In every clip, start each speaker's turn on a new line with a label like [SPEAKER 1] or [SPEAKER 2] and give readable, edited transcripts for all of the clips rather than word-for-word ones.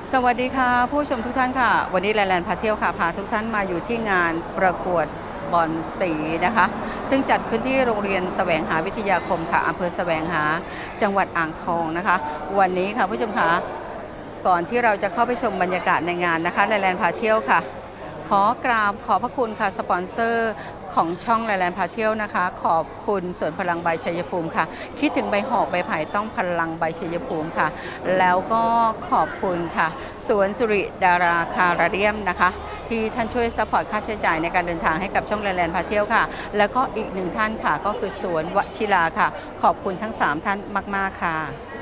[SPEAKER 1] สวัสดีค่ะผู้ชมทุกท่านค่ะวันนี้แลนด์พาเที่ยวค่ะพาทุกท่านมาอยู่ที่งานประกวดบอนสีนะคะซึ่งจัดขึ้นที่โรงเรียนแสวงหาวิทยาคมค่ะอำเภอแสวงหาจังหวัดอ่างทองนะคะวันนี้ค่ะผู้ชมค่ะก่อนที่เราจะเข้าไปชมบรรยากาศในงานนะคะแลนด์พาเที่ยวค่ะขอกราบขอบพระคุณค่ะสปอนเซอร์ของช่องแลนด์พาเที่ยวนะคะขอบคุณสวนพลังใบชัยภูมิค่ะคิดถึงใบหอกใบไผ่ต้องพลังใบชัยภูมิค่ะแล้วก็ขอบคุณค่ะสวนสุริดาราคาราเดียมนะคะที่ท่านช่วยซัพพอร์ตค่าใช้จ่ายในการเดินทางให้กับช่องแลนด์พาเที่ยวค่ะแล้วก็อีกหนึ่งท่านค่ะก็คือสวนวชิราค่ะขอบคุณทั้ง3ท่านมากๆค่ะ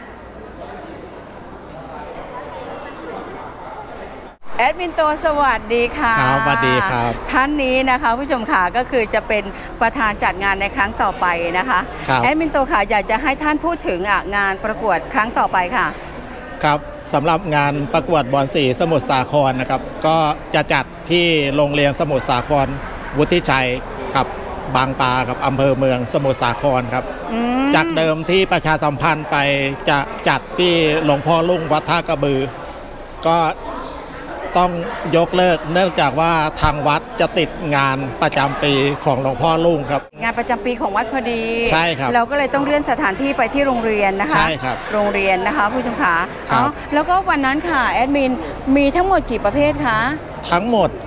[SPEAKER 1] แอดมินโตสวัสดีค่ะ
[SPEAKER 2] ครับสวัสดีครับ
[SPEAKER 1] ท่านนี้นะคะผู้ชมค่ะก็คือจะเป็นประธานจัดงานในครั้งต่อไปนะคะแอดมินโตค่ะอยากจะให้ท่านพูดถึงงานประกวดครั้งต่อไปค่ะ
[SPEAKER 2] ครับสำหรับงานประกวดบอนสีสมุทรสาครนะครับก็จะจัดที่โรงเรียนสมุทรสาครวุฒิชัยครับบางปลาครับอำเภอเมืองสมุทรสาครครับจากเดิมที่ประชาสัมพันธ์ไปจะจัดที่หลวงพ่อลุ่งวัดท่ากระบือก็ต้องยกเลิกเนื่องจากว่าทางวัดจะติดงานประจำปีของหลวงพ่อลุ่งครับ
[SPEAKER 1] งานประจำปีของวัดพอดี
[SPEAKER 2] ใช่ครับ
[SPEAKER 1] เราก็เลยต้องเลื่อนสถานที่ไปที่โรงเรียนนะคะ
[SPEAKER 2] ใช่ครับ
[SPEAKER 1] โรงเรียนนะคะผู้ชมขาแล้วก็วันนั้นค่ะแอดมินมีทั้งหมดกี่ประเภทคะ
[SPEAKER 2] ทั้งหมด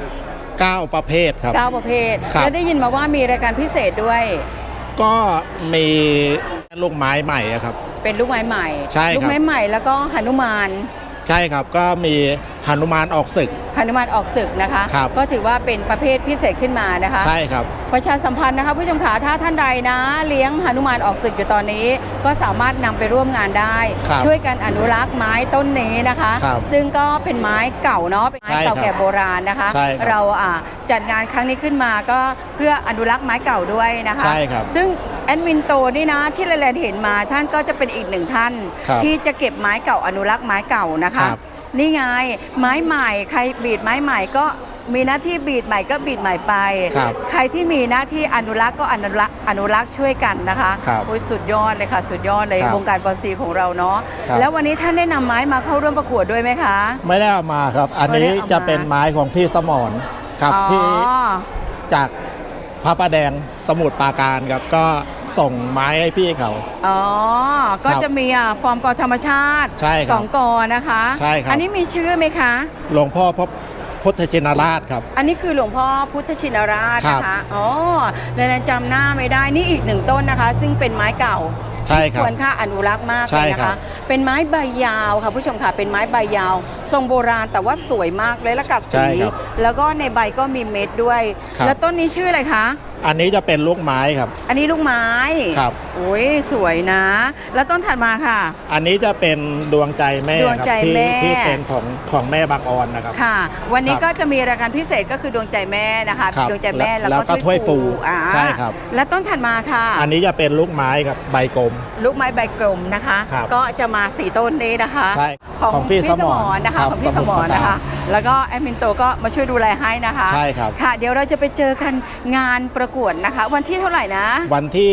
[SPEAKER 2] 9ประเภทครับ
[SPEAKER 1] 9ประเภทแล้วได้ยินมาว่ามีรายการพิเศษด้วย
[SPEAKER 2] ก็มีลูกไม้ใหม่ครับ
[SPEAKER 1] เป็นลูกไม้ใหม่
[SPEAKER 2] ใช่ครับ
[SPEAKER 1] ลูกไม้ใหม่แล้วก็หนุมาน
[SPEAKER 2] ใช่ครับก็มีหนุมานออกศึก
[SPEAKER 1] หนุมานออกศึกนะคะก็ถือว่าเป็นประเภทพิเศษขึ้นมานะคะ
[SPEAKER 2] ใช่ครับ
[SPEAKER 1] ประชาสัมพันธ์นะคะผู้ชมขาถ้าท่านใดนะเลี้ยงหนุมานออกศึกอยู่ตอนนี้ก็สามารถนำไปร่วมงานได้ช่วยกันอนุรักษ์ไม้ต้นนี้นะคะซึ่งก็เป็นไม้เก่าเนาะเป็นไม้เก่าแก่โบราณนะคะเราจัดงานครั้งนี้ขึ้นมาก็เพื่ออนุรักษ์ไม้เก่าด้วยนะคะ
[SPEAKER 2] ใช่ครับ
[SPEAKER 1] ซึ่งแอดมินโตนี่นะที่แลนด์เห็นมาท่านก็จะเป็นอีกหนึ่งท่านที่จะเก็บไม้เก่าอนุรักษ์ไม้เก่านะคะนี่ไงไม้ใหม่ใครบีดไม้ใหม่ก็มีหน้าที่บีดใหม่ก็บีดใหม่ไปใครที่มีหน้าที่อนุรักษ์ก็อนุรักษ์ช่วยกันนะคะโอ้ยสุดยอดเลยค่ะสุดยอดเลยวงการบอนสีของเราเนาะแล้ววันนี้ท่านได้นำไม้มาเข้าร่วมประกวดด้วยไหมคะ
[SPEAKER 2] ไม่ได้เอามาครับอันนี้จะเป็นไม้ของพี่สมรครับที่จากพระประแดงสมุทรปราการครับก็ส่งไม้ให้พี่เขา
[SPEAKER 1] ก็จะมีฟอร์มกอธรรมชาติ2กอนะคะ
[SPEAKER 2] ใช่ครับ
[SPEAKER 1] อันนี้มีชื่อไหมคะ
[SPEAKER 2] หลวงพ่อพระพุทธชินราชครับ
[SPEAKER 1] อันนี้คือหลวงพ่อพุทธชินราชนะคะแล้วจำหน้าไม่ได้นี่อีก1ต้นนะคะซึ่งเป็นไม้เก่าควรค่าอนุรักษ์มากเลยนะคะเป็นไม้ใบยาวค่ะผู้ชมค่ะเป็นไม้ใบยาวทรงโบราณแต่ว่าสวยมากเลยและกัดสีแล้วก็ในใบก็มีเม็ดด้วยแล้วต้นนี้ชื่ออะไรคะ
[SPEAKER 2] อันนี้จะเป็นลูกไม้ครับ
[SPEAKER 1] อันนี้ลูกไม้
[SPEAKER 2] ครับ
[SPEAKER 1] โอ้ยสวยนะแล้วต้นถัดมาค่ะ
[SPEAKER 2] อันนี้จะเป็นดวงใจแม่
[SPEAKER 1] ดวงใจแม่
[SPEAKER 2] ที่เป็นของแม่บางออนนะครับ
[SPEAKER 1] ค่ะวันนี้ก็จะมีรายการพิเศษก็คือดวงใจแม่นะคะดวงใจแม่
[SPEAKER 2] แล้วก็ถ้วยฟูใช่ครับ
[SPEAKER 1] แล้วต้นถัดมาค่ะ
[SPEAKER 2] อันนี้จะเป็นลูกไม้ครับใบกลม
[SPEAKER 1] ลูกไม้ใบกลมนะคะก็จะมา4ต้นนี้นะคะของพี่สมรนะคะของพี่สมรนะคะแล้วก็แอดมินโตก็มาช่วยดูแลให้นะคะ
[SPEAKER 2] ใช่ครับ
[SPEAKER 1] ค่ะเดี๋ยวเราจะไปเจอกันงานประกวดนะคะวันที่เท่าไหร่นะ
[SPEAKER 2] วันที่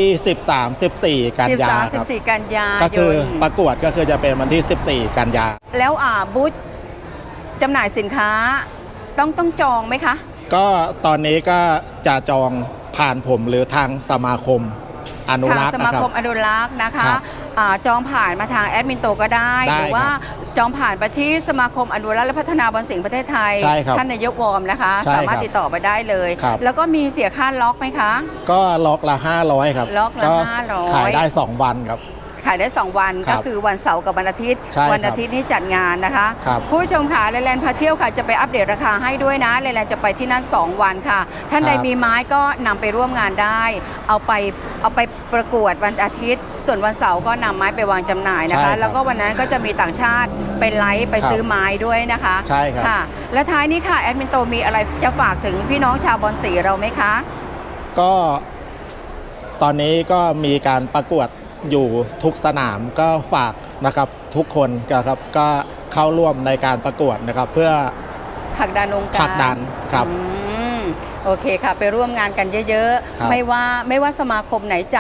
[SPEAKER 2] 13-14 กันยาครับ
[SPEAKER 1] 13-14 กันยา
[SPEAKER 2] ก็คือประกวดก็คือจะเป็นวันที่14 กันยา
[SPEAKER 1] แล้วบูธจำหน่ายสินค้าต้องจองไหมคะ
[SPEAKER 2] ก็ตอนนี้ก็จะจองผ่านผมหรือทางสมาคมอนุรักษ์
[SPEAKER 1] สมาคมอนุรักษ์นะคะจองผ่านมาทางแอดมินโตก็ได้หรือว่าจองผ่านไปที่สมาคมอนุรักษ์และพัฒนาบอนสิงห์ประเทศไทยท่านนายกวอร์มนะคะสามารถติดต่อไปได้เลยแล้วก็มีเสียค่าล็อกไหมคะ
[SPEAKER 2] ก็ล็อกละ500ครับ
[SPEAKER 1] ล็อกละ500
[SPEAKER 2] ขายได้2วันครับ
[SPEAKER 1] ขายได้2วันก็คือวันเสาร์กับวันอาทิตย์วันอาทิตย์นี้จัดงานนะคะผู้ชมค่ะแลนด์พาเที่ยวค่ะจะไปอัปเดตราคาให้ด้วยนะแลนด์จะไปที่นั่น2วันค่ะท่านใดมีไม้ก็นำไปร่วมงานได้เอาไปประกวดวันอาทิตย์ส่วนวันเสาร์ก็นำไม้ไปวางจำหน่ายนะคะแล้วก็วันนั้นก็จะมีต่างชาติไปไลฟ์ไปซื้อไม้ด้วยนะคะ
[SPEAKER 2] ใช่ครับ
[SPEAKER 1] ค่ะและท้ายนี้ค่ะแอดมินโตมีอะไรจะฝากถึงพี่น้องชาวบอนสีเราไหมคะ
[SPEAKER 2] ก็ตอนนี้ก็มีการประกวดอยู่ทุกสนามก็ฝากนะครับทุกคนครับก็เข้าร่วมในการประกวดนะครับเพื่อ
[SPEAKER 1] ผลักดันองค์การ
[SPEAKER 2] ผลักดันครับ
[SPEAKER 1] โอเคค่ะไปร่วมงานกันเยอะๆไม่ว่าสมาคมไหนจัด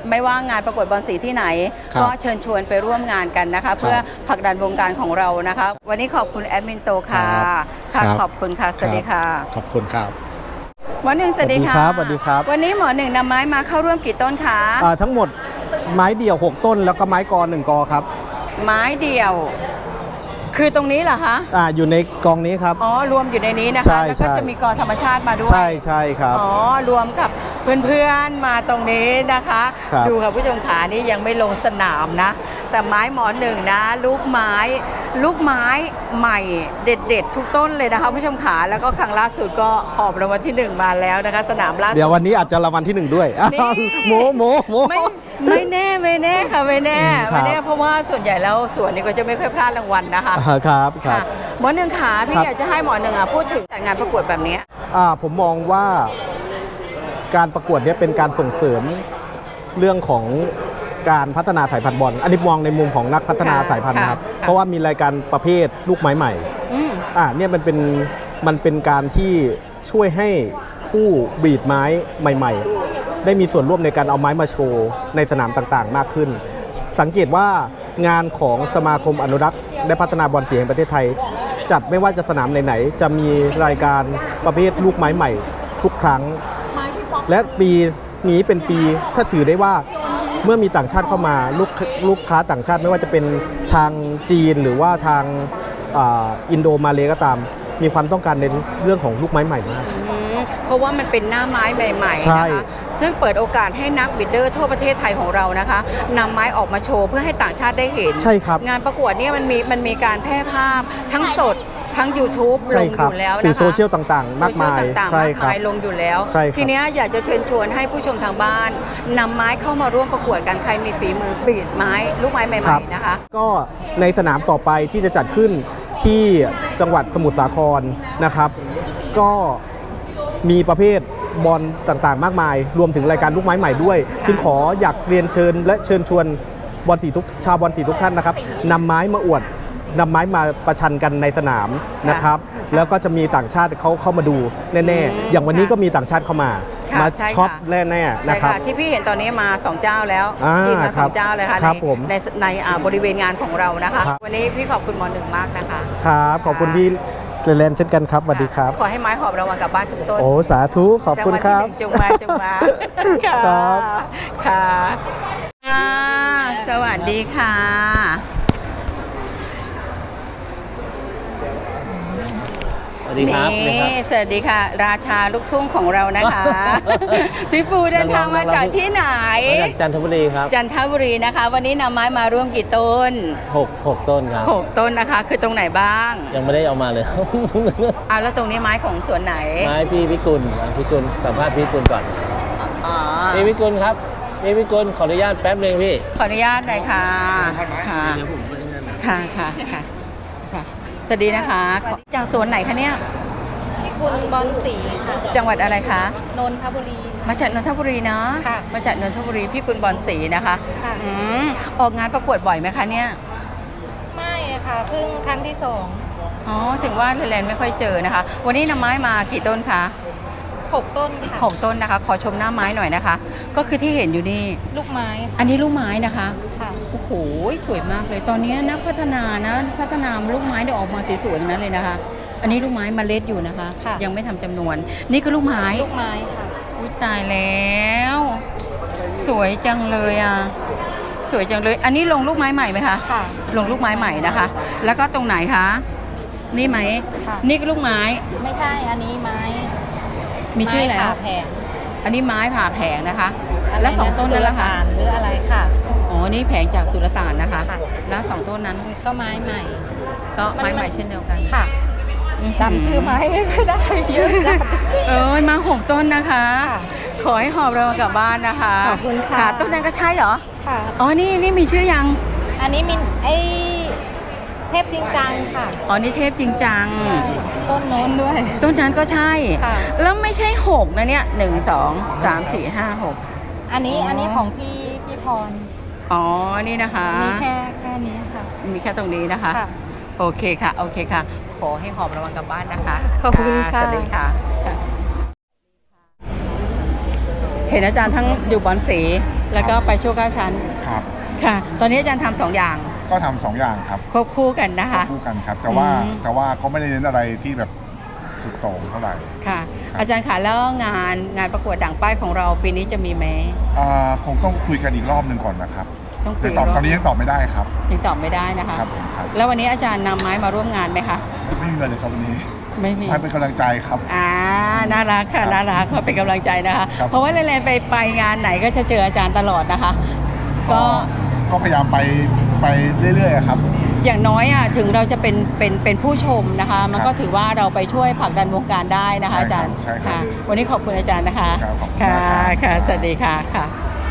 [SPEAKER 1] ไม่ว่างานประกวดบอลสีที่ไหน
[SPEAKER 2] ครับ
[SPEAKER 1] ก็เชิญชวนไปร่วมงานกันนะคะ เพื่อผลักดันวงการของเรานะคะ วันนี้ขอบคุณแอดมินโตค่ะ
[SPEAKER 2] ครั
[SPEAKER 1] ค่ะ
[SPEAKER 2] บ
[SPEAKER 1] ขอบคุณค่ะ สวัสดีค่ะ
[SPEAKER 2] ขอบคุณครับ
[SPEAKER 1] หมอหนึ่งสวัสดีค่ะ
[SPEAKER 3] สวัสดีครับ
[SPEAKER 1] วันนี้หมอหนึ่งนำไม้มาเข้าร่วมกี่ต้นคะ
[SPEAKER 3] ทั้งหมดไม้เดี่ยว 6 ต้นแล้วก็ไม้กอ1 กอครับ
[SPEAKER 1] ไม้เดี่ยว คือตรงนี้เหรอคะ
[SPEAKER 3] อยู่ในกองนี้ครับ
[SPEAKER 1] อ๋อรวมอยู่ในนี้นะ
[SPEAKER 3] ใช่
[SPEAKER 1] คะแล้วก็
[SPEAKER 3] ใช่
[SPEAKER 1] จะมีกอธรรมชาติมาด้วย
[SPEAKER 3] ใช่ใช่ครับ
[SPEAKER 1] อ๋อรวมกับเพื่อนๆมาตรงนี้นะคะ
[SPEAKER 3] ครับ
[SPEAKER 1] ดูค่ะผู้ชมขานี่ยังไม่ลงสนามนะ แต่ไม้หมอหนึ่งนะ ลูกไม้ใหม่เด็ดๆ ทุกต้นเลยนะคะผู้ชมขาแล้วก็ครั้งล่าสุดก็หอบรางวัลที่ 1 มาแล้วนะคะ สนามล่าสุด
[SPEAKER 3] เดี๋ยววันนี้อาจจะรางวัลที่ 1 ด้วย
[SPEAKER 1] นี่
[SPEAKER 3] โมโมโม
[SPEAKER 1] ไม่แน่ค่ะไม่แน่
[SPEAKER 3] ครับ
[SPEAKER 1] ไม่แน่เพราะว่าส่วนใหญ่แล้วส่วนนี้ก็จะไม่ค่อยพลาดรางวัลนะคะ
[SPEAKER 3] ครับครั
[SPEAKER 1] ค่ะ
[SPEAKER 3] บ
[SPEAKER 1] หมอหนึ่งขาพี่
[SPEAKER 3] ครับ
[SPEAKER 1] อยากจะให้หมอหนึ่งพูดถึงจัดงานประกวดแบบนี้
[SPEAKER 3] ผมมองว่าการประกวดเนี้ยเป็นการส่งเสริมเรื่องของการพัฒนาสายพันธุ์บอลอันนี้มองในมุมของนักพัฒนา
[SPEAKER 1] ค่ะ
[SPEAKER 3] สายพันธุ์นะครับ
[SPEAKER 1] ค่ะ
[SPEAKER 3] เพราะว่ามีรายการประเภทลูกไม้ใหม่
[SPEAKER 1] อืม
[SPEAKER 3] เนี่ยมันเป็นการที่ช่วยให้ผู้บีดไม้ใหม่ ๆ ได้มีส่วนร่วมในการเอาไม้มาโชว์ในสนามต่างๆ มากขึ้น สังเกตว่างานของสมาคมอนุรักษ์และพัฒนาบอลสีแห่งประเทศไทย จัดไม่ว่าจะสนามไหนๆจะมีรายการประเภทลูกไม้ใหม่ทุกครั้ง และปีนี้เป็นปีถ้าถือได้ว่าเมื่อมีต่างชาติเข้ามาลูกค้าต่างชาติไม่ว่าจะเป็นทางจีนหรือว่าทางอินโดมาเลก็ตาม มีความต้องการในเรื่องของลูกไม้ใหม่มาก
[SPEAKER 1] เพราะว่ามันเป็นหน้าไม้ใหม่ๆ
[SPEAKER 3] ใช่
[SPEAKER 1] นะคะซึ่งเปิดโอกาสให้นักบิดเดอร์ทั่วประเทศไทยของเรานะคะนำไม้ออกมาโชว์เพื่อให้ต่างชาติได้เห็น
[SPEAKER 3] ใช่ครับ
[SPEAKER 1] งานประกวดเนี่ยมันมีการแพร่ภาพทั้งสดทั้ง YouTube ล
[SPEAKER 3] ใช่
[SPEAKER 1] ง
[SPEAKER 3] ค
[SPEAKER 1] อ
[SPEAKER 3] รับ
[SPEAKER 1] ยู่แล้วนะคะ
[SPEAKER 3] สื่อโซเชียลต่างๆ มากมาย
[SPEAKER 1] โซเชีลต่างๆ
[SPEAKER 3] ใช่
[SPEAKER 1] มาก
[SPEAKER 3] ครับ
[SPEAKER 1] มายลงอยู่แล้ว
[SPEAKER 3] ใช่ครับ
[SPEAKER 1] ทีเนี้ยอยากจะเชิญชวนให้ผู้ชมทางบ้านนำไม้เข้ามาร่วมประกวดกันใครมีฝีมือบีดไม้ลูกไม้ใหม่
[SPEAKER 3] ครับ
[SPEAKER 1] ๆนะคะ
[SPEAKER 3] ก็ในสนามต่อไปที่จะจัดขึ้นที่จังหวัดสมุทรสาครนะครับ ก็มีประเภทบอลต่างๆ มากมาย รวมถึงรายการลูกไม้ใหม่ด้วย จึงขออยากเรียนเชิญและเชิญชวนบอลสีชาวบอลสีทุกท่านนะครับนำไม้มาอวดนำไม้มาประชันกันในสนามนะครับ แล้วก็จะมีต่างชาติเขาเข้ามาดูแน่ๆ อย่างวันนี้ก็มีต่างชาติเข้ามา
[SPEAKER 1] ค่ะ
[SPEAKER 3] มา
[SPEAKER 1] ใช่ค่ะ
[SPEAKER 3] ช็อปแน่ๆ
[SPEAKER 1] ใช่
[SPEAKER 3] นะครับ
[SPEAKER 1] ค่ะที่พี่เห็นตอนนี้มา 2 เจ้าแล้ว
[SPEAKER 3] อ่า
[SPEAKER 1] จีนมา
[SPEAKER 3] ครั
[SPEAKER 1] 2
[SPEAKER 3] บ
[SPEAKER 1] เจ้าเลยค่ะ
[SPEAKER 3] ครับผม
[SPEAKER 1] ในบริเวณงานของเรานะคะ
[SPEAKER 3] ครับ
[SPEAKER 1] วันนี้พี่ขอบคุณหมอหนึ่งมากนะคะ
[SPEAKER 3] ครับขอบคุณพี่แลนด์เช่นกันครับสวัสดีครับ
[SPEAKER 1] ขอให้ไม้หอบรางวัลกลับบ้านทุกต้น
[SPEAKER 3] โอ้สาธุขอบคุณครับ
[SPEAKER 1] างวัลที่หนึ่งจงมาค่ะ
[SPEAKER 3] ครับ
[SPEAKER 1] ค่ะสวัสดีค่ะ
[SPEAKER 4] สวัสดีครับ
[SPEAKER 1] นี่สวัสดีค่ะ ราชาลูกทุ่งของเรานะคะ พี่ปูเดินทางมาจากที่ไหน
[SPEAKER 4] มาจากจันทบุรีครับ
[SPEAKER 1] จันทบุรีนะคะ วันนี้นำไม้มาร่วมกี่ต้น
[SPEAKER 4] 6 ต้นครับ
[SPEAKER 1] 6 ต้นนะคะ คือตรงไหนบ้าง
[SPEAKER 4] ยังไม่ได้เอามาเลย
[SPEAKER 1] แล้วตรงนี้ไม้ของสวนไหน
[SPEAKER 4] ไม้พี่พิกุลสัมภาษณ์พี่พิกุลก่อน
[SPEAKER 1] อ๋อ
[SPEAKER 4] พี่พิกุลครับพี่พิกุลขออนุญาตแป๊บหนึงพี่
[SPEAKER 1] ขออนุญาตหน่อยค่ะค่ะค่ะค่ะค่ะค่ะสวัสดีนะคะจากสวนไหนคะเนี่ย
[SPEAKER 5] พี่กุลบอลสีค่ะ
[SPEAKER 1] จังหวัดอะไรคะ
[SPEAKER 5] นนทบุรี
[SPEAKER 1] มาจากนนทบุรีเนาะ
[SPEAKER 5] ค่ะ
[SPEAKER 1] มาจากนนทบุรีพี่กุลบอลศรีนะคะ
[SPEAKER 5] ค่ะ
[SPEAKER 1] ออกงานประกวดบ่อยไหมคะเนี่ย
[SPEAKER 5] ไม่อะค่ะ เพิ่งครั้งที่
[SPEAKER 1] อ๋อถึงว่าแลนด์ไม่ค่อยเจอนะคะ วันนี้นำไม้มากี่ต้นคะ
[SPEAKER 5] 2 6 ต้นค่ะ
[SPEAKER 1] 6 ต้นนะคะ ขอชมหน้าไม้หน่อยนะคะ ก็คือที่เห็นอยู่นี่
[SPEAKER 5] ลูกไม้
[SPEAKER 1] อันนี้ลูกไม้นะคะ
[SPEAKER 5] ค่ะ
[SPEAKER 1] โอ้โหสวยมากเลยตอนนี้นักพัฒนาลูกไม้เดี๋ยวออกมาสวยๆอย่างนั้นเลยนะคะ อันนี้ลูกไม้เมล็ดอยู่นะคะ
[SPEAKER 5] ค่ะ
[SPEAKER 1] ยังไม่ทำจำนวน นี่คือลูกไม้
[SPEAKER 5] ลูกไม้ค่ะ
[SPEAKER 1] อุ๊ยตายแล้ว สวยจังเลยอ่ะสวยจังเลย อันนี้ลงลูกไม้ใหม่ไหมคะ
[SPEAKER 5] ค่ะ
[SPEAKER 1] ลงลูกไม้ใหม่นะคะ แล้วก็ตรงไหนคะนี่ไหม
[SPEAKER 5] ค่ะ
[SPEAKER 1] นี่ก็ลูกไม้
[SPEAKER 5] ไม่ใช่ อันนี้ไม้
[SPEAKER 1] มีชื่อแล้ว
[SPEAKER 5] ไม้ผ่าแผง
[SPEAKER 1] อันนี้ไม้ผ่าแผงนะคะ
[SPEAKER 5] อะไร
[SPEAKER 1] แล้ว2ต้นนั้นล่ะคะ
[SPEAKER 5] สุลต่านหรืออะไรค่ะ
[SPEAKER 1] อ๋อนี่แผงจากสุลต่านนะคะ
[SPEAKER 5] ค่ะ
[SPEAKER 1] แล้ว2ต้นนั้น
[SPEAKER 5] ก็ไม้ใหม่
[SPEAKER 1] ก็ไม้ใหม่เช่นเดียวกัน
[SPEAKER 5] ค่ะจำชื่อไม้ไม่ค่อยได้เยอะจัด
[SPEAKER 1] มา6 ต้นนะคะ
[SPEAKER 5] ค่ะ
[SPEAKER 1] ขอให้หอบเรากลับบ้านนะคะ
[SPEAKER 5] ขอบคุณค่ะ
[SPEAKER 1] ต้นนั้นก็ใช่เหรอ
[SPEAKER 5] ค่ะ
[SPEAKER 1] อ๋อนี่มีชื่อยัง
[SPEAKER 5] อันนี้มินเทพจริงจังค่ะ
[SPEAKER 1] อ๋อนี่เทพจริงจัง
[SPEAKER 5] ใช่ต้นโน้นด้วย
[SPEAKER 1] ต้นนั้นก็ใช่
[SPEAKER 5] ค่ะ
[SPEAKER 1] แล้วไม่ใช่6นะเนี่ย1 2 3 4 5 6
[SPEAKER 5] อันนี้ของพี่พร
[SPEAKER 1] อ๋อนี่นะคะ
[SPEAKER 5] มีแค่นี้ค่ะ
[SPEAKER 1] มีแค่ตรงนี้นะคะ
[SPEAKER 5] ค่ะ
[SPEAKER 1] โอเคค่ะโอเคค่ะ ขอให้หอบระวังกลับบ้านนะคะ
[SPEAKER 5] ขอบคุณค่ะ
[SPEAKER 1] สวัสดีค่ะเห็นอาจารย์ทั้งอยู่บอนสีแล้วก็ไปโชว์9ชั้น
[SPEAKER 6] ครับ
[SPEAKER 1] ค่ะ ตอนนี้อาจารย์ทำ2อย่าง
[SPEAKER 6] ก็ทำ2อย่างครับ
[SPEAKER 1] ควบคู่กันนะคะ
[SPEAKER 6] คู่กันครับ แต่ว่า
[SPEAKER 1] อืม
[SPEAKER 6] แต่ว่าก็ไม่ได้เน้นอะไรที่แบบสุดโต่งเท่าไหร่
[SPEAKER 1] ค่ะ
[SPEAKER 6] ครับ
[SPEAKER 1] อาจารย์ค่ะแล้วงานประกวดด่างป้ายของเราปีนี้จะมีไหม
[SPEAKER 6] คงต้องคุยกันอีกรอบหนึ่งก่อนนะครับ
[SPEAKER 1] ต้องคุ
[SPEAKER 6] แต่
[SPEAKER 1] ย
[SPEAKER 6] ตอนนี้ยังตอบไม่ได้ครับ
[SPEAKER 1] ยังตอบไม่ได้นะคะ
[SPEAKER 6] ครับผมครับ
[SPEAKER 1] แล้ววันนี้อาจารย์นำไม้มาร่วมงานไหมคะ
[SPEAKER 6] ไม่มีเงินเลยครับวันนี้
[SPEAKER 1] ไม่มี
[SPEAKER 6] ให้เป็นกำลังใจครับ
[SPEAKER 1] น่ารักค่ะ
[SPEAKER 6] ครับ
[SPEAKER 1] น่ารักมาเป็นกำลังใจนะคะ
[SPEAKER 6] ครับ
[SPEAKER 1] เพราะว่าแลนไปงานไหนก็จะเจออาจารย์ตลอดนะคะ ก็
[SPEAKER 6] ก็พยายามไปเรื่อยๆครับ
[SPEAKER 1] อย่างน้อยถึงเราจะเป็นผู้ชมนะคะ มันก็ถือว่าเราไปช่วยผลักดันวงการได้นะคะ
[SPEAKER 6] ใช่ครับ
[SPEAKER 1] อาจารย์
[SPEAKER 6] ใช่ครับ
[SPEAKER 1] ค่ะ วันนี้ขอบคุณอาจารย์นะคะ
[SPEAKER 6] ครับขอบคุณ
[SPEAKER 1] ค่ะ
[SPEAKER 6] มากครับ
[SPEAKER 1] ค่ะสวัสดีค่ะค่ะ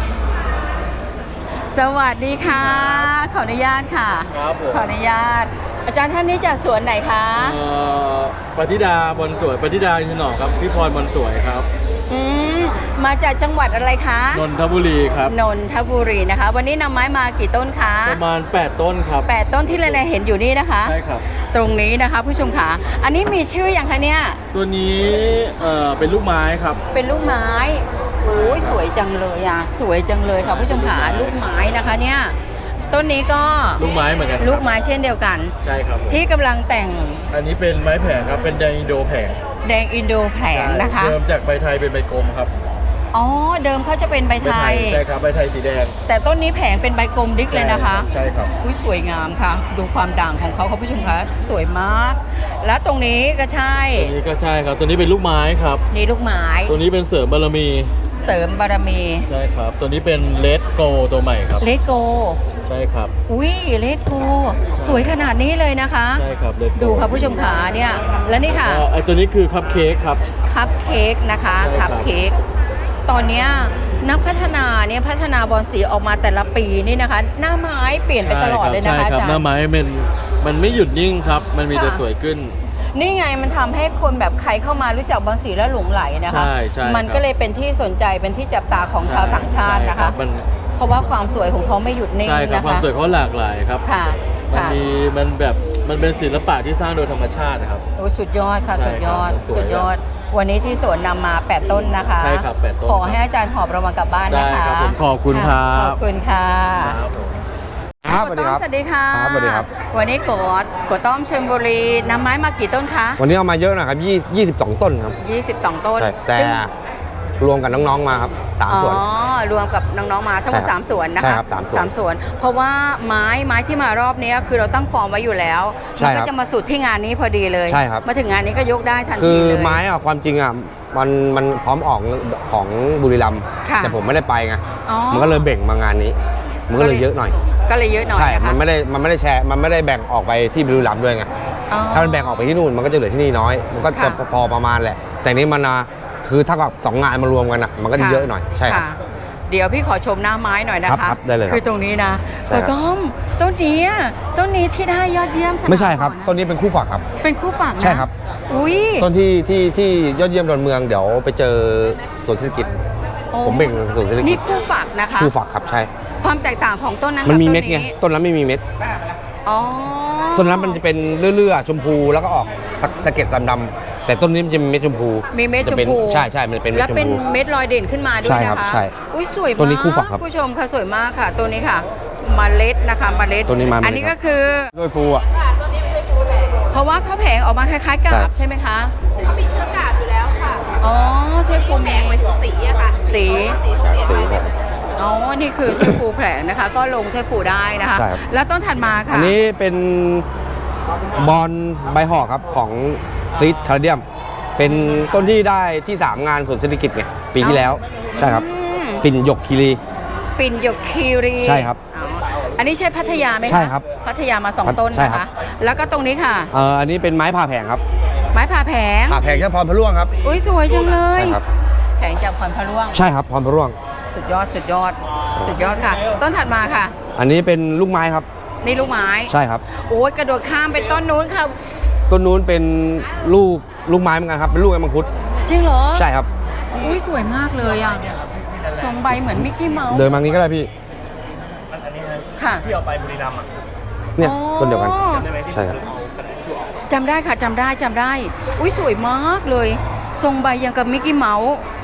[SPEAKER 1] สวัสดีค่ะ ขออนุญาตค่ะ
[SPEAKER 7] ครับผม
[SPEAKER 1] ขออนุญาต อาจารย์ท่านนี้จากสวนไหนคะ
[SPEAKER 7] ปฏิดาบอลสวยปฏิดาอินทนอกครับพี่พรบอลสวยครับ
[SPEAKER 1] อืมมาจากจังหวัดอะไรคะ
[SPEAKER 7] นนทบุรีครับ
[SPEAKER 1] นนทบุรีนะคะ วันนี้นำไม้มากี่ต้นคะ
[SPEAKER 7] ประมาณ 8 ต้นครับ
[SPEAKER 1] 8 ต้นที่เราเห็นอยู่นี่นะคะ
[SPEAKER 7] ใช่ครับ
[SPEAKER 1] ตรงนี้นะคะผู้ชมค่ะ อันนี้มีชื่ออย่างคะเนี่ย
[SPEAKER 7] ตัวนี้เป็นลูกไม้ครับ
[SPEAKER 1] เป็นลูกไม้โอ้ยสวยจังเลยสวยจังเลยค่ะผู้ชมค่ะลูกไม้นะคะเนี่ยต้นนี้ก็
[SPEAKER 7] ลูกไม้เหมือนกันครับ
[SPEAKER 1] ลูกไม้เช่นเดียวกัน
[SPEAKER 7] ใช่ครับผม
[SPEAKER 1] ที่กำลังแต่ง
[SPEAKER 7] อันนี้เป็นไม้แผงครับเป็นแดงอินโดแผง
[SPEAKER 1] แดงอินโดแผลงนะคะ
[SPEAKER 7] เริ่มจากใบไทยเป็นใบกลมครับ
[SPEAKER 1] อ๋อเดิมเขาจะเป็นใบไทย
[SPEAKER 7] ใช่ครับใบไทยสีแดง
[SPEAKER 1] แต่ต้นนี้แผงเป็นใบกลมดิกเลยนะคะ
[SPEAKER 7] ใช่ครับ
[SPEAKER 1] อุ้ยสวยงามค่ะ ดูความด่างของเขาค่ะผู้ชมคะสวยมาก แล้วตรงนี้ก็ใช่
[SPEAKER 7] ตัวนี้ก็ใช่ครับตัวนี้เป็นลูกไม้ครับ
[SPEAKER 1] นี่ลูกไม้
[SPEAKER 7] ตัวนี้เป็นเสริมบารมี
[SPEAKER 1] เสริมบารมี
[SPEAKER 7] ใช่ครับ ตัวนี้เป็นเลดโกตัวใหม่ครับ
[SPEAKER 1] เลโก
[SPEAKER 7] ใช่ครับ
[SPEAKER 1] อุ้ยเลโกสวยขนาดนี้เลยนะคะ
[SPEAKER 7] ใช่ครับเลดโก
[SPEAKER 1] ดูค่ะผู้ชมขาเนี่ย และนี่ค่ะ
[SPEAKER 7] ไอตัวนี้คือคัพเค้กครับ
[SPEAKER 1] คัพเค้กนะคะ
[SPEAKER 7] ใช่ครั
[SPEAKER 1] คั
[SPEAKER 7] บ
[SPEAKER 1] พเค้กตอนเนี้ยนักพัฒนาเนี่ยพัฒนาบอลสีออกมาแต่ละปีนี่นะคะ หน้าไม้เปลี่ยนไปตลอดเลยนะคะ
[SPEAKER 7] ใช่
[SPEAKER 1] อา
[SPEAKER 7] ครับ
[SPEAKER 1] จาร
[SPEAKER 7] หน้า
[SPEAKER 1] ย์
[SPEAKER 7] ไม้มันไม่หยุดนิ่งครับ มันมีแต่
[SPEAKER 1] ค่ะ
[SPEAKER 7] สวยขึ้น
[SPEAKER 1] นี่ไงมันทำให้คนแบบใครเข้ามารู้จักบอลสีแล้วหลงไหลนะคะ
[SPEAKER 7] ใช่ใช่
[SPEAKER 1] มัน
[SPEAKER 7] ครับ
[SPEAKER 1] ก็เลยเป็นที่สนใจเป็นที่จับตาของชาวต่างชาตินะ
[SPEAKER 7] ใช่รั
[SPEAKER 1] คะ
[SPEAKER 7] บมัน
[SPEAKER 1] เพราะว่าความสวยของเขาไม่หยุดนิ่ง
[SPEAKER 7] ใช่ครับ
[SPEAKER 1] นะ
[SPEAKER 7] ความ
[SPEAKER 1] คะ
[SPEAKER 7] สวยเขาหลากหลายครับ
[SPEAKER 1] ค่ะ
[SPEAKER 7] มัน
[SPEAKER 1] ค่ะ
[SPEAKER 7] มีมันเป็นศิลปะที่สร้างโดยธรรมชาตินะครับ
[SPEAKER 1] โอ้สุดยอดค่ะ
[SPEAKER 7] ใช่
[SPEAKER 1] สุดยอด
[SPEAKER 7] ครับสวย
[SPEAKER 1] สุดยอด วันนี้ที่สวนนำมา 8 ต้นนะคะ
[SPEAKER 7] ใช่ครับ8ต้น
[SPEAKER 1] ขอให้อาจารย์หอบรางวัลกลับบ้านนะคะ
[SPEAKER 7] ได้ครับผมขอบคุณครับ
[SPEAKER 1] ขอบคุณค่ะ
[SPEAKER 7] ครับผม
[SPEAKER 3] ครับสวัสดีครับ
[SPEAKER 1] สวัสดีค่ะ
[SPEAKER 3] ครับสวัสดีครับ
[SPEAKER 1] วันนี้โกต้อมชลบุรีนำไม้มากี่ต้นคะ
[SPEAKER 3] วันนี้เอามาเยอะนะครับ22 ต้นครับ
[SPEAKER 1] 22 ต้น
[SPEAKER 3] ใช่แต่
[SPEAKER 1] ซึ่ง
[SPEAKER 3] รวมกับน้องๆมาครับ3 ส่วน
[SPEAKER 1] อ๋อรวมกับน้องๆมาทั้งหมด
[SPEAKER 3] ใช่ครับ
[SPEAKER 1] 3 ส่วนนะ
[SPEAKER 3] ใช่
[SPEAKER 1] คะ
[SPEAKER 3] ครับสามส่วน
[SPEAKER 1] เพราะว่าไม้ที่มารอบนี้คือเราตั้งฟอร์มไว้อยู่แล้ว
[SPEAKER 3] ใช่
[SPEAKER 1] มั
[SPEAKER 3] ครั
[SPEAKER 1] ก็
[SPEAKER 3] บ
[SPEAKER 1] จะมาสุดที่งานนี้พอดีเลย
[SPEAKER 3] ใช่ครับ
[SPEAKER 1] มาถึงงานนี้ก็ยกได้ทัน
[SPEAKER 3] คื
[SPEAKER 1] ที
[SPEAKER 3] อ
[SPEAKER 1] เลย
[SPEAKER 3] ไม้อะความจริงอะมันพร้อมออกของบุรีรัมย์
[SPEAKER 1] ค่ะ
[SPEAKER 3] แต่ผมไม่ได้ไปไง
[SPEAKER 1] อ๋อ
[SPEAKER 3] มันก็เลยเบ่งมางานนี้ มันก็เลยเยอะหน่อย
[SPEAKER 1] ก็เลยเยอะหน่อย
[SPEAKER 3] ใช่
[SPEAKER 1] นะคะ
[SPEAKER 3] มันไม่ได้แชร์มันไม่ได้แบ่งออกไปที่บุรีรัมย์ด้วยไง
[SPEAKER 1] อ๋อ
[SPEAKER 3] ถ้ามันแบ่งออกไปที่นู่นมันก็จะเหลือที่นี่น้อย มันก็จะ
[SPEAKER 1] ค่ะ
[SPEAKER 3] พอประมาณแหละ แต่นี้มันคือถ้ากับ2 งานมารวมกันอะมันก็จะเยอะหน่อยใช่ครับ
[SPEAKER 1] ะเดี๋ยวพี่ขอชมหน้าไม้หน่อยนะ
[SPEAKER 3] ครั
[SPEAKER 1] คะ
[SPEAKER 3] บได้เลยครับ
[SPEAKER 1] คือตรงนี้นะ
[SPEAKER 3] ใช่ครับ
[SPEAKER 1] ต้มต้นนี้ที่ได้ยอดเยี่ยมสนาม
[SPEAKER 3] ไม่ใช่ครับ
[SPEAKER 1] ก่อนะ
[SPEAKER 3] ต้นนี้เป็นคู่ฝักครับ
[SPEAKER 1] เป็นคู่ฝั่งนะ
[SPEAKER 3] ใช่ครับ
[SPEAKER 1] อุ้ย
[SPEAKER 3] ต้นที่ยอดเยี่ยมดอนเมืองเดี๋ยวไปเจอสวนเศรษฐกิจ
[SPEAKER 1] โอ้
[SPEAKER 3] ผมเบ่งสวนเศรษฐกิ
[SPEAKER 1] นี่
[SPEAKER 3] จ
[SPEAKER 1] คู่ฝักนะคะ
[SPEAKER 3] คู่ฝักครับใช่
[SPEAKER 1] ความแตกต่างของต้นนั้น
[SPEAKER 3] มันมี
[SPEAKER 1] กับ
[SPEAKER 3] เม็ดไง ต้นนั้นไม่มีเม็ด
[SPEAKER 1] อ๋อ
[SPEAKER 3] ต้นนั้นมันจะเป็นเลื่อยๆชมพูแล้วก็ออกสะเก็ดดำๆแต่ต้นนี้มันจะมีเม็ดชมพู
[SPEAKER 1] มีเม็ดช
[SPEAKER 3] จะ
[SPEAKER 1] ม
[SPEAKER 3] เป็น
[SPEAKER 1] พู
[SPEAKER 3] ใช่มันเป็นเม็
[SPEAKER 1] และ
[SPEAKER 3] ดชม
[SPEAKER 1] เป็น
[SPEAKER 3] พู
[SPEAKER 1] เม็ดลอยเด่นขึ้นมาด้วย
[SPEAKER 3] ใช่
[SPEAKER 1] นะครับ คะ
[SPEAKER 3] ใช่
[SPEAKER 1] อุ้ยสวยมาก
[SPEAKER 3] ตัวนี้คู่ฝักครับ
[SPEAKER 1] ผู้ชมค่ะสวยมากค่ะ ตัวนี้ค่ะเมล็ดนะคะเมล็ด
[SPEAKER 3] ตัวนี้มาเมล็ด
[SPEAKER 1] อันนี้ก็คือ
[SPEAKER 3] ด้วยฟูอ่ะ
[SPEAKER 1] เพราะว่าเขาแผงออกมาคล้ายๆกาบ
[SPEAKER 3] ใช่
[SPEAKER 1] ใช่ไหมคะ
[SPEAKER 5] เขามีเชื้อกาบอยู่แล้วค่ะ
[SPEAKER 1] อ๋อถ้วยฟู
[SPEAKER 5] แบ่งไปถึงสีอะค่ะ
[SPEAKER 1] สี
[SPEAKER 3] สีแบบ
[SPEAKER 1] อ๋อ นี่คือถ้วยฟูแผลงนะคะ ก็ลงถ้วยฟูได้นะคะ
[SPEAKER 3] ใช่ครับ
[SPEAKER 1] แล้วต้นถัดมาค่ะ
[SPEAKER 3] อันนี้เป็นบอลใบห่อครับของซีดคาร์เดียม เป็นต้นที่ได้ที่ 3 งานสวนเศรษฐกิจไงปีที่แล้ว ใช่ครับ
[SPEAKER 1] อืม
[SPEAKER 3] ปิ่นหยกคีรี
[SPEAKER 1] ปิ่นหยกคีรี
[SPEAKER 3] ใช่ครับ
[SPEAKER 1] อ๋ออันนี้ใช่พัทยาไหมคะ
[SPEAKER 3] ใช่ครับ
[SPEAKER 1] พัทยามา 2 ต้น
[SPEAKER 3] ใช่
[SPEAKER 1] นะ
[SPEAKER 3] ครั
[SPEAKER 1] คะ
[SPEAKER 3] บ
[SPEAKER 1] แล้วก็ตรงนี้ค่ะ
[SPEAKER 3] อันนี้เป็นไม้ผ่าแผงครับ
[SPEAKER 1] ไม้ผ่าแผง
[SPEAKER 3] ผ่าแผงจากพรพระร่วงครับ
[SPEAKER 1] อุ้ยสวยจังเลย
[SPEAKER 3] ใช่ครับ
[SPEAKER 1] แผงจากพรพระร่วง
[SPEAKER 3] ใช่ครับพรพระร่วง
[SPEAKER 1] สุดยอด สุดยอด สุดยอดค่ะ ต้นถัดมาค่ะ
[SPEAKER 3] อันนี้เป็นลูกไม้ครับ
[SPEAKER 1] นี่ลูกไม้
[SPEAKER 3] ใช่ครับ
[SPEAKER 1] โอ้ยกระโดดข้ามไปต้นนู้นค่ะ
[SPEAKER 3] ต้นนู้นเป็นลูกไม้เหมือนกันครับ เป็นลูกไอ้มังคุด
[SPEAKER 1] จริงเหรอ
[SPEAKER 3] ใช่ครับ
[SPEAKER 1] อุ้ยสวยมากเลยอ่ะทรงใบเหมือนมิกกี้เมาส์
[SPEAKER 3] เดินมางี้ก็ได้พี่
[SPEAKER 1] ค่ะ
[SPEAKER 3] เนี่ย
[SPEAKER 1] อ๋อ
[SPEAKER 3] ต้นเดียวกัน ใช่ครับ
[SPEAKER 1] จำได้ค่ะจำได้ อุ้ยสวยมากเลย ทรงใบยังกับมิกกี้เมาส์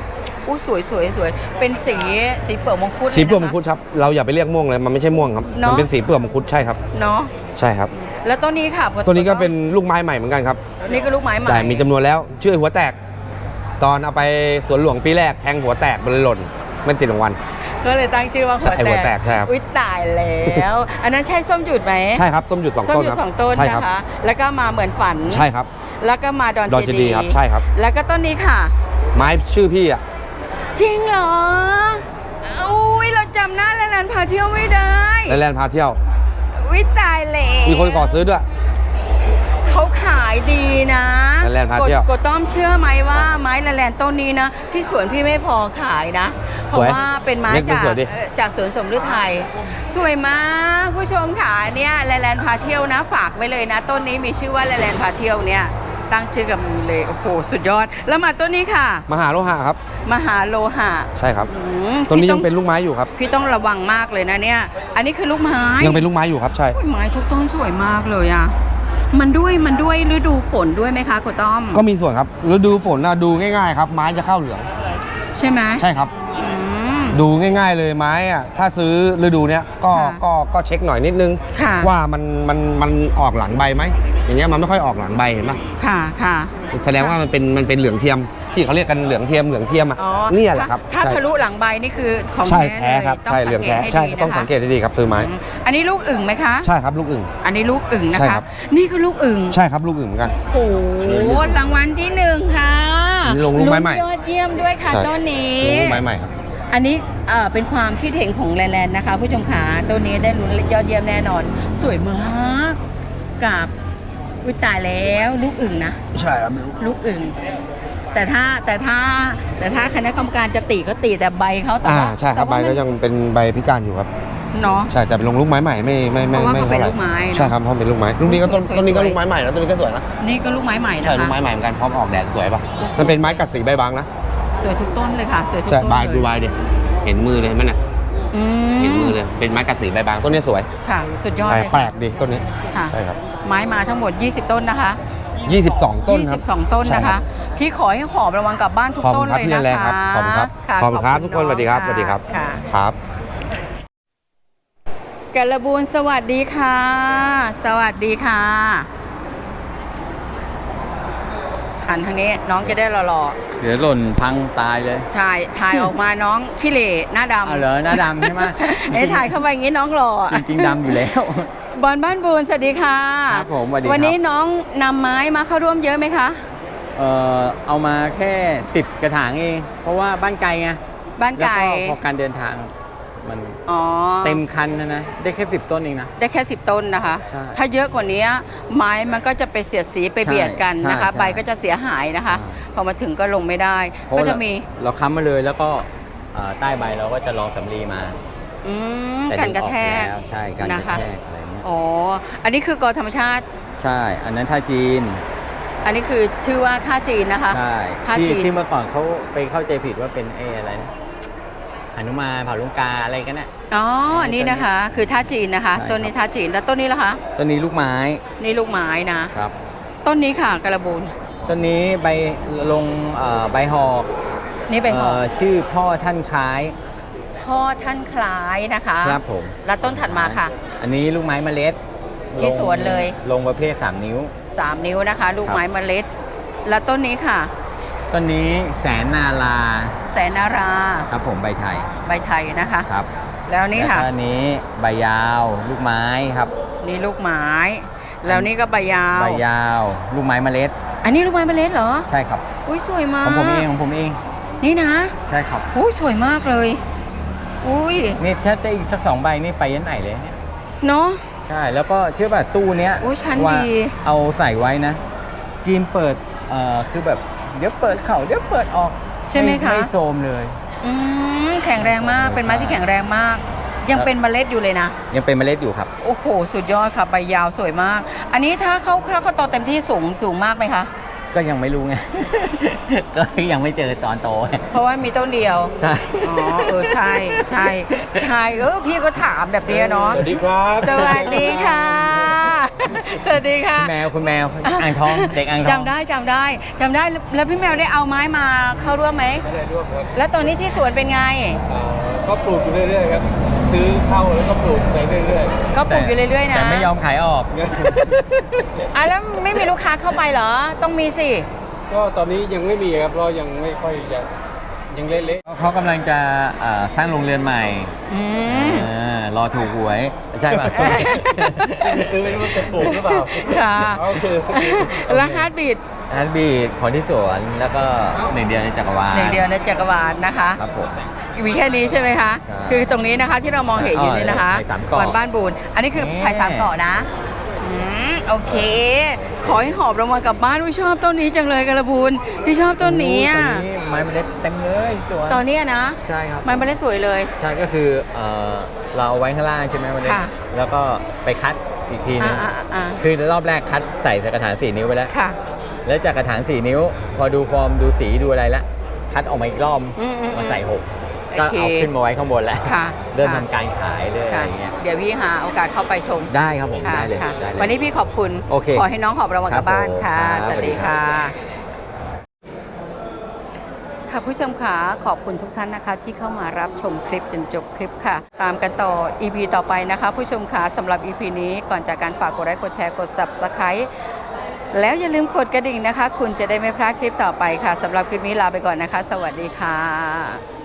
[SPEAKER 1] อู้สวยสวยสวยเป็นสีเปลือกมังคุด
[SPEAKER 8] สีเปลือก
[SPEAKER 1] ลย
[SPEAKER 8] มั
[SPEAKER 1] นะ
[SPEAKER 8] ง
[SPEAKER 1] คะ
[SPEAKER 8] คุดครับเราอย่าไปเรียกม่วงเลยมันไม่ใช่ม่วงครับ
[SPEAKER 1] เนอะ
[SPEAKER 8] มันเป็นสีเปลือกมังคุดใช่ครับ
[SPEAKER 1] เนาะ
[SPEAKER 8] ใช่ครับ
[SPEAKER 1] แล้วต้นนี้ค่ะ
[SPEAKER 8] ตัวนี้ก็เป็นลูกไม้ใหม่เหมือนกันครับ
[SPEAKER 1] นี่ก็ลูกไม้ใหม่
[SPEAKER 8] แต่มีจำนวนแล้วชื่อหัวแตก ตอนเอาไปสวนหลวงปีแรกแทงหัวแตกมันเลยหล่นไม่ติดรางวัล
[SPEAKER 1] ก็เลยตั้งชื่อว่า
[SPEAKER 8] ใช่หัวแตกใช่ครับ
[SPEAKER 1] อุ้ยตายแล้ว อันนั้นใช่ส้มหยุดไหม
[SPEAKER 8] ใช่ครับส้มหยุดสอง
[SPEAKER 1] ส้ม
[SPEAKER 8] ต้น
[SPEAKER 1] หยุ
[SPEAKER 8] ค
[SPEAKER 1] ด
[SPEAKER 8] รับ
[SPEAKER 1] สองต้น
[SPEAKER 8] ใช่
[SPEAKER 1] นะครับ คะ แล้วก็มาเหมือนฝัน
[SPEAKER 8] ใช่ครับ
[SPEAKER 1] แล้วก็มาดอน
[SPEAKER 8] ดอนเจดีย์ครับใช่ครับ
[SPEAKER 1] แล้วก็ต้นนี้ค่ะ
[SPEAKER 8] ไม้ชื่อพี่อ่ะ
[SPEAKER 1] จริงเหรออุ้ยเราจำหน้าแลนด์พาเที่ยวไม่ได้
[SPEAKER 8] แลนด์พาเที่ยว
[SPEAKER 1] อุ้ยตายแล้ว
[SPEAKER 8] มีคนขอซื้อด้วย
[SPEAKER 1] เขาขายดีนะ
[SPEAKER 8] แลนด์พาเที่ยว
[SPEAKER 1] กดต้อมเชื่อไหมว่าไม้แลนด์ต้นนี้นะ ที่สวนพี่ไม่พอขายนะ เพ
[SPEAKER 8] ส
[SPEAKER 1] ราะ
[SPEAKER 8] วย
[SPEAKER 1] ว่าเป็นไม้
[SPEAKER 8] เล็กเป็น
[SPEAKER 1] จาก
[SPEAKER 8] สวยดิ
[SPEAKER 1] จากสวนสมฤทัยสวยมากผู้ชมค่ะเนี่ยแลนด์พาเที่ยวนะฝากไว้เลยนะ ต้นนี้มีชื่อว่าแลนด์พาเที่ยวเนี่ยตั้งชื่อกับมือเลยโอ้โหสุดยอด แล้วมาต้นนี้ค่ะ
[SPEAKER 8] มหาโลหะครับ
[SPEAKER 1] มหาโลหะ
[SPEAKER 8] ใช่ครับ
[SPEAKER 1] อืม
[SPEAKER 8] ต้นนี้
[SPEAKER 1] พี่
[SPEAKER 8] ยังเป็นลูกไม้อยู่ครับ
[SPEAKER 1] พี่ต้องระวังมากเลยนะเนี่ย อันนี้คือลูกไม้
[SPEAKER 8] ยังเป็นลูกไม้อยู่ครับใช่
[SPEAKER 1] โอ้ยไม้ทุกต้นสวยมากเลยอ่ะมันด้วยฤดูฝนด้วยไหมคะคุณต้อม
[SPEAKER 8] ก็มีส่วนครับฤดูฝนนะดูง่ายๆครับไม้จะเข้าเหลือง
[SPEAKER 1] ใช่ไหม
[SPEAKER 8] ใช่ครับ
[SPEAKER 1] อืม
[SPEAKER 8] ดูง่ายๆเลยไม้อะถ้าซื้อฤดูเนี้ยก็
[SPEAKER 1] ค่ะ
[SPEAKER 8] ก็เช็คหน่อยนิดนึง
[SPEAKER 1] ค่ะ
[SPEAKER 8] ว่ามันออกหลังใบไหมอย่างเงี้ยมันไม่ค่อยออกหลังใบเห็นปะ
[SPEAKER 1] ค่ะค่ะ
[SPEAKER 8] แสดงว่ามันเป็นเหลืองเทียมที่เขาเรียกกันเหลืองเทียมอ่ะ
[SPEAKER 1] อ๋อ
[SPEAKER 8] เนี่ยแหละครับ
[SPEAKER 1] ถ้า
[SPEAKER 8] ใช่
[SPEAKER 1] ทะลุหลังใบนี่คือของ
[SPEAKER 8] ใช่
[SPEAKER 1] แท้
[SPEAKER 8] แท้ครับ
[SPEAKER 1] ลย
[SPEAKER 8] ใช่เหลืองแท้ใช่ต้องสังเกตดีๆครับซื้อไม้
[SPEAKER 1] อันนี้ลูกอึ่งไหมคะ
[SPEAKER 8] ใช่ครับลูกอึ่ง
[SPEAKER 1] อันนี้ลูกอึ่งนะ
[SPEAKER 8] ใช่
[SPEAKER 1] คะ
[SPEAKER 8] ครับ
[SPEAKER 1] นี่ก็ลูกอึ่ง
[SPEAKER 8] ใช่ครับลูกอึ่งเหมือนกัน
[SPEAKER 1] โอ้โหรางวัลที่หนึ่งค่ะ
[SPEAKER 8] อันนี้ลงลูกไม้ใหม่
[SPEAKER 1] ยอดเยี่ยมด้วยค่ะ
[SPEAKER 8] ใช่
[SPEAKER 1] ต้นนี้
[SPEAKER 8] ลูกไม้ใหม่ครับ
[SPEAKER 1] อันนี้เป็นความคิดเห็นของแลนด์นะคะ ผู้ชมขาตัวนี้ได้ลุ้นยอดเยี่ยมแน่นอน สวยมากกับอุ้ยตายแล้วลูกอึ่งนะ
[SPEAKER 8] ใช่ครับ
[SPEAKER 1] ลูกอึ่งแต่ถ้าคณะกรรมการจะตีก็ตีแต่ใบเขาแต่ว่า
[SPEAKER 8] ใช่ครับใบ
[SPEAKER 1] แต่ว่า
[SPEAKER 8] ก็ยังเป็นใบพิการอยู่ครับ
[SPEAKER 1] เนาะ
[SPEAKER 8] ใช่แต่เป็นลงลูกไม้ใหม่ไม่
[SPEAKER 1] เพราะว่าเขาเป็น
[SPEAKER 8] ท่ไหร่
[SPEAKER 1] ลูกไม้เนอะ
[SPEAKER 8] ใช่ครับเพราะเป็นลูกไม้ลูกนี้ก็ต้น
[SPEAKER 1] สวยๆ
[SPEAKER 8] ต้นนี้ก็ลูกไม้ใหม่นะต้นนี้ก็สวยนะ
[SPEAKER 1] นี่ก็ลูกไม้ใหม่นะ
[SPEAKER 8] ใช่ลูก
[SPEAKER 1] คะ
[SPEAKER 8] ไม้ใหม่เหมือนกันพร้อมออกแดดสวยป่ะมันเป็นไม้กัดสีใบบางนะ
[SPEAKER 1] สวยทุกต้นเลยค่ะสวยทุก
[SPEAKER 8] ใช่
[SPEAKER 1] ต้น
[SPEAKER 8] ใบ
[SPEAKER 1] เล
[SPEAKER 8] ดู
[SPEAKER 1] ย
[SPEAKER 8] ใบดิเห็นมือเลยมันน่ะ
[SPEAKER 1] อื
[SPEAKER 8] เห็นมือเลยเป็นไม้กัดสีใบบางต้นนี้สวย
[SPEAKER 1] ค่ะ สุดยอด
[SPEAKER 8] ใช่
[SPEAKER 1] เลย
[SPEAKER 8] แปลกดีต้นนี้
[SPEAKER 1] ค่ะ
[SPEAKER 8] ใช่ครับ
[SPEAKER 1] ไม้มาทั้งหมด 20 ต้นนะคะ
[SPEAKER 8] 22 ต้นครับ
[SPEAKER 1] 22 ต้น
[SPEAKER 8] ใช่
[SPEAKER 1] นะ
[SPEAKER 8] ครั
[SPEAKER 1] คะ
[SPEAKER 8] บ
[SPEAKER 1] พี่ขอให้หอบรางวัลกลับบ้านทุก
[SPEAKER 8] ขอบ
[SPEAKER 1] ต้
[SPEAKER 8] คุ
[SPEAKER 1] น
[SPEAKER 8] ณครับ
[SPEAKER 1] เลย
[SPEAKER 8] พี่
[SPEAKER 1] นะ
[SPEAKER 8] แรง
[SPEAKER 1] คะ
[SPEAKER 8] ครับขอบคุณครับ
[SPEAKER 1] ะ
[SPEAKER 8] ขอบคุณครับทุกคนสวัสดีครับ
[SPEAKER 1] ะ
[SPEAKER 8] สวัสดีครับ
[SPEAKER 1] ค่ะ
[SPEAKER 8] ครับ
[SPEAKER 1] กระบูนสวัสดีค่ะ สวัสดีค่ะหันทางนี้น้องจะได้หล่อ
[SPEAKER 4] เดี๋ยวหล่นพังตายเลย
[SPEAKER 1] ๆถ่ายออกมาน้องขี้เหร่หน้าดำ
[SPEAKER 4] เอาเหรอหน้าดำใช่ไหม
[SPEAKER 1] ถ่ายเข้าไปอย่างนี้น้องหล่อ
[SPEAKER 4] จริงๆดำอยู่แล้ว
[SPEAKER 1] บอลบ้านบูนสวัสดีค่ะ
[SPEAKER 4] ครับผมสวัสดีครับ
[SPEAKER 1] วันนี้น้องนำไม้มาเข้าร่วมเยอะไหมคะ
[SPEAKER 4] เอามาแค่ 10 กระถางเอง เพราะว่าบ้านไกลไง
[SPEAKER 1] บ้าน
[SPEAKER 4] แล้ว
[SPEAKER 1] ไก่
[SPEAKER 4] ก็พอการเดินทางมัน
[SPEAKER 1] อ๋อ
[SPEAKER 4] เต็มคันนะได้แค่ 10 ต้นเองนะ
[SPEAKER 1] ได้แค่10 ต้นนะคะ
[SPEAKER 4] ใช่
[SPEAKER 1] ถ้าเยอะกว่านี้ไม้มันก็จะไปเสียดสีไป
[SPEAKER 4] ใช่
[SPEAKER 1] เบียดกันนะคะ
[SPEAKER 4] ใช่
[SPEAKER 1] ใบก็จะเสียหายนะคะ
[SPEAKER 4] ใช่
[SPEAKER 1] พอมาถึงก็ลงไม่ได้
[SPEAKER 4] เพราะ
[SPEAKER 1] ก็
[SPEAKER 4] ว่า
[SPEAKER 1] จะมี
[SPEAKER 4] เราค้ำมาเลยแล้วก็ใต้ใบเราก็จะรองสำลีมา
[SPEAKER 1] อืม
[SPEAKER 4] แต่
[SPEAKER 1] กันกระแทก
[SPEAKER 4] ดึงออแล้วใช่การก
[SPEAKER 1] นะ
[SPEAKER 4] ระ
[SPEAKER 1] คะ
[SPEAKER 4] แทกอะไรเงี้ย
[SPEAKER 1] อ๋ออันนี้คือกอธรรมชาติ
[SPEAKER 4] ใช่ อันนั้นท่าจีน
[SPEAKER 1] อันนี้คือชื่อว่าท่าจีนนะคะ
[SPEAKER 4] ใช่
[SPEAKER 1] ท่า
[SPEAKER 4] ที่
[SPEAKER 1] จีน
[SPEAKER 4] ที่เมื่อก่อนเขาไปเข้าใจผิดว่าเป็นอะไรนะหนุมานเผ่าลุงกาอะไรกันน่ะ
[SPEAKER 1] อ๋ออันนี้นะคะ คือท่าจีนนะคะ
[SPEAKER 4] ใช่
[SPEAKER 1] ต้นนี้ท่าจีนแล้วต้นนี้ล่ะคะ
[SPEAKER 4] ต้นนี้ลูกไม้
[SPEAKER 1] นี่ลูกไม้นะ
[SPEAKER 4] ครับ
[SPEAKER 1] ต้นนี้ค่ะกระบูน
[SPEAKER 4] ต้นนี้ใบลงใบหอก
[SPEAKER 1] นี่ไปหอ
[SPEAKER 4] ชื่อพ่อท่านคล้าย
[SPEAKER 1] พ่อท่านคล้ายนะคะ
[SPEAKER 4] ครับผม
[SPEAKER 1] แล้วต้นถัดมาค่ะ
[SPEAKER 4] อันนี้ลูกไม้เมล็ด
[SPEAKER 1] ที่สวนเลย
[SPEAKER 4] ลงประเภท 3 นิ้ว
[SPEAKER 1] 3 นิ้วนะคะ ลูกไม้เมล็ด แล้วต้นนี้ค่ะ
[SPEAKER 4] ต้นนี้แสนนาลา
[SPEAKER 1] แสนนารา
[SPEAKER 4] ครับผมใบไทย
[SPEAKER 1] ใบไทยนะคะ
[SPEAKER 4] ครับ
[SPEAKER 1] แล้วนี่ค่ะ
[SPEAKER 4] แล้วก็อันนี้ใบยาวลูกไม้ครับ
[SPEAKER 1] นี่ลูกไม้ แล้วนี่ก็ใบยาว
[SPEAKER 4] ใบยาวลูกไม้เมล็ด
[SPEAKER 1] อันนี้ลูกไม้เมล็ดเหรอ
[SPEAKER 4] ใช่ครับ
[SPEAKER 1] อุ้ยสวยมา
[SPEAKER 4] ข
[SPEAKER 1] ก
[SPEAKER 4] องผมเองของผมเอง
[SPEAKER 1] นี่นะ
[SPEAKER 4] ใช่ครับ
[SPEAKER 1] อุ้ยสวยมากเลย อุ้ย
[SPEAKER 4] นี่ถ้าจะอีกสัก2 ใบนี่ไปยันไหนเลยเนี่ย
[SPEAKER 1] เนาะ
[SPEAKER 4] ใช่แล้วก็เชื่อป่ะตู้เนี้ย
[SPEAKER 1] อุ๊ยชั้น
[SPEAKER 4] ว่า
[SPEAKER 1] ดี
[SPEAKER 4] เอาใส่ไว้นะ จีนเปิดคือแบบเดี๋ยวเปิดเข่าเดี๋ยวเปิดออก
[SPEAKER 1] ใช่ไหมคะ
[SPEAKER 4] ไม่โซมเลย
[SPEAKER 1] อืมแข็งแรงมาก เป็นไม้ที่แข็งแรงมาก ยังเป็นเมล็ดอยู่เลยนะ
[SPEAKER 4] ยังเป็นเมล็ดอยู่ครับ
[SPEAKER 1] โอ้โห สุดยอดค่ะ ใบยาวสวยมาก อันนี้ถ้าเขาโตเต็มที่สูงมากไหมคะ
[SPEAKER 4] ก็ยังไม่รู้ไง ก็ยังไม่เจอตอนโต
[SPEAKER 1] เพราะว่ามีต้นเดียว
[SPEAKER 4] ใช่
[SPEAKER 1] อ๋อ ใช่ใช่พี่ก็ถามแบบนี้เนาะ
[SPEAKER 7] สวัสดีครับ
[SPEAKER 1] สวัสดีค่ะสวัสดีค่ะ
[SPEAKER 4] คุณแมวอ่างทองเด็กอ่างทอง
[SPEAKER 1] จำได้แล้วพี่แมวได้เอาไม้มาเข้าร่วมไหม
[SPEAKER 3] ไม่ได้ร่วมครับ
[SPEAKER 1] แล้วตอนนี้ที่สวนเป็นไง
[SPEAKER 3] ก็ปลูกอยู่เรื่อยๆครับ ซื้อเข้าแล้วก็ปลูกไปเรื่อย
[SPEAKER 1] ก็ปลูกอยู่เรื่อยๆนะ
[SPEAKER 4] แต่ไม่ยอมขายออก
[SPEAKER 1] อ่ะแล้วไม่มีลูกค้าเข้าไปเหรอต้องมีสิ
[SPEAKER 3] ๆ ก็ตอนนี้ยังไม่มีครับเพราะยังไม่ค่อยยังเละ
[SPEAKER 4] เขากำลังจะสร้างโรงเรือนใหม่
[SPEAKER 1] อืม
[SPEAKER 4] รอถูกหวยใช่ป่ะ
[SPEAKER 3] ๆ ซื้อไม่รู้ว่าจะถูกหรือเปล่า
[SPEAKER 1] ค่ะ
[SPEAKER 3] โอเค
[SPEAKER 1] แล้วฮาร์ดบีด
[SPEAKER 4] ฮันบีดของที่สวนแล้วก็หนึ่งเดียวในจักรวาล
[SPEAKER 1] หนึ่งเดียวในจักรวาลนะคะ
[SPEAKER 4] ครับผม
[SPEAKER 1] มีแค่นี้ใช่ไหมคะ
[SPEAKER 4] ใช่
[SPEAKER 1] คือตรงนี้นะคะที่เรามองเห็นอยู่นี่นะคะ
[SPEAKER 4] ไผ่สามเกาะ
[SPEAKER 1] วันบ้านบูนอันนี้คือไผ่สามเกาะนะโอเค ขอให้หอบรางวัลกลับบ้านอุ้ยชอบต้นนี้จังเลยกระบูนพี่ชอบต้นนี้อะ
[SPEAKER 4] ต้นนี้ไม้เมล็ดเต็มเลยสวน
[SPEAKER 1] ตอนนี้อะนะ
[SPEAKER 4] ใช่ครับ
[SPEAKER 1] มันไม่ได้สวยเลย
[SPEAKER 4] ใช่ก็คือเราเอาไว้ข้างล่างใช่ไหมวันนี้
[SPEAKER 1] ค่ะ
[SPEAKER 4] แล้วก็ไปคัดอีกทีนึง
[SPEAKER 1] อ่า
[SPEAKER 4] คือรอบแรกคัดใส่กระถาง4 นิ้วไปแล้ว
[SPEAKER 1] ค่ะ
[SPEAKER 4] แล้วจากกระถาง4 นิ้ว พอดูฟอร์มดูสีดูอะไรละคัดออกมาอีกรอบ มาใส่6ก็
[SPEAKER 1] โอเค
[SPEAKER 4] เอาขึ้นมาไว้ข้างบนแล้ว
[SPEAKER 1] ค่ะ
[SPEAKER 4] เริ่ม
[SPEAKER 1] ค่ะ
[SPEAKER 4] ทำการขายเลยอะไร
[SPEAKER 1] ค่ะ
[SPEAKER 4] อย่างเงี้ย
[SPEAKER 1] เดี๋ยวพี่หาโอกาสเข้าไปชม
[SPEAKER 4] ได้ครับผม
[SPEAKER 1] ค่ะ
[SPEAKER 4] ได้เลย
[SPEAKER 1] ค่ะ
[SPEAKER 4] ได้เลย
[SPEAKER 1] วันนี้พี่ขอบคุณ
[SPEAKER 4] โอเค
[SPEAKER 1] ขอให้น้องหอบรางวัลกลับบ้านค่ะ
[SPEAKER 4] ครับผม
[SPEAKER 1] สวัสดีค่ะ
[SPEAKER 4] สวัสดี
[SPEAKER 1] ค่ะผู้ชมค่ะขอบคุณทุกท่านนะคะ ที่เข้ามารับชมคลิปจนจบคลิปค่ะ ตามกันต่อ EP ต่อไปนะคะ ผู้ชมค่ะสำหรับ EP นี้ก่อนจากการฝากกดไลค์กดแชร์กด Subscribe แล้วอย่าลืมกดกระดิ่งนะคะ คุณจะได้ไม่พลาดคลิปต่อไปค่ะสำหรับคลิปนี้ลาไปก่อนนะคะ สวัสดีค่ะ